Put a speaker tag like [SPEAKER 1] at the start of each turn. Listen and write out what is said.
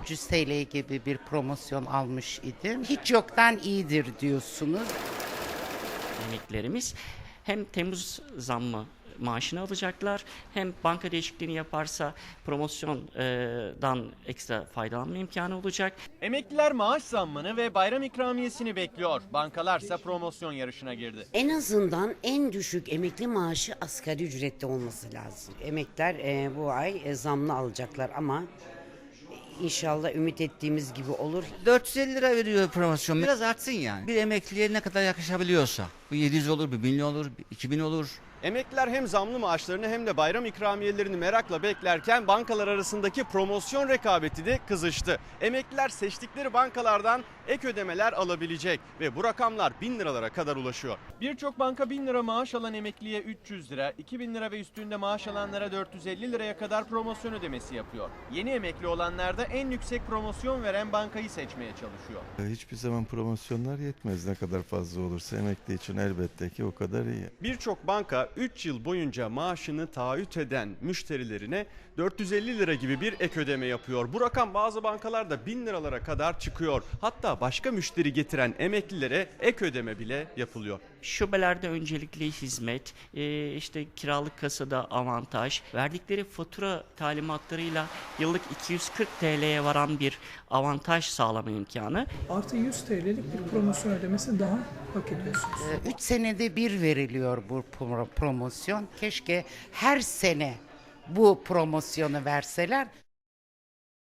[SPEAKER 1] 300 TL gibi bir promosyon almış idim. Hiç yoktan iyidir diyorsunuz.
[SPEAKER 2] Emeklilerimiz hem Temmuz zammı maaşını alacaklar, hem banka değişikliğini yaparsa promosyondan ekstra faydalanma imkanı olacak.
[SPEAKER 3] Emekliler maaş zammını ve bayram ikramiyesini bekliyor. Bankalarsa promosyon yarışına girdi.
[SPEAKER 4] En azından en düşük emekli maaşı asgari ücrette olması lazım. Emekliler bu ay zamlı alacaklar ama inşallah ümit ettiğimiz gibi olur.
[SPEAKER 5] 450 lira veriyor promosyon. Biraz artsın yani. Bir emekliye ne kadar yakışabiliyorsa. Bu 700 olur, 1.000 olur, 2.000 olur.
[SPEAKER 3] Emekliler hem zamlı maaşlarını hem de bayram ikramiyelerini merakla beklerken bankalar arasındaki promosyon rekabeti de kızıştı. Emekliler seçtikleri bankalardan ek ödemeler alabilecek ve bu rakamlar 1000 liralara kadar ulaşıyor. Birçok banka 1000 lira maaş alan emekliye 300 lira, 2000 lira ve üstünde maaş alanlara 450 liraya kadar promosyon ödemesi yapıyor. Yeni emekli olanlar da en yüksek promosyon veren bankayı seçmeye çalışıyor.
[SPEAKER 6] Hiçbir zaman promosyonlar yetmez. Ne kadar fazla olursa emekli için elbette ki o kadar iyi.
[SPEAKER 3] Birçok banka 3 yıl boyunca maaşını taahhüt eden müşterilerine 450 lira gibi bir ek ödeme yapıyor. Bu rakam bazı bankalarda 1000 liralara kadar çıkıyor. Hatta başka müşteri getiren emeklilere ek ödeme bile yapılıyor.
[SPEAKER 2] Şubelerde öncelikli hizmet, işte kiralık kasada avantaj, verdikleri fatura talimatlarıyla yıllık 240 TL'ye varan bir avantaj sağlama imkanı.
[SPEAKER 7] Artı 100 TL'lik bir promosyon ödemesi daha hak ediyorsunuz.
[SPEAKER 1] 3 senede bir veriliyor bu promosyon. Keşke her sene bu promosyonu verseler.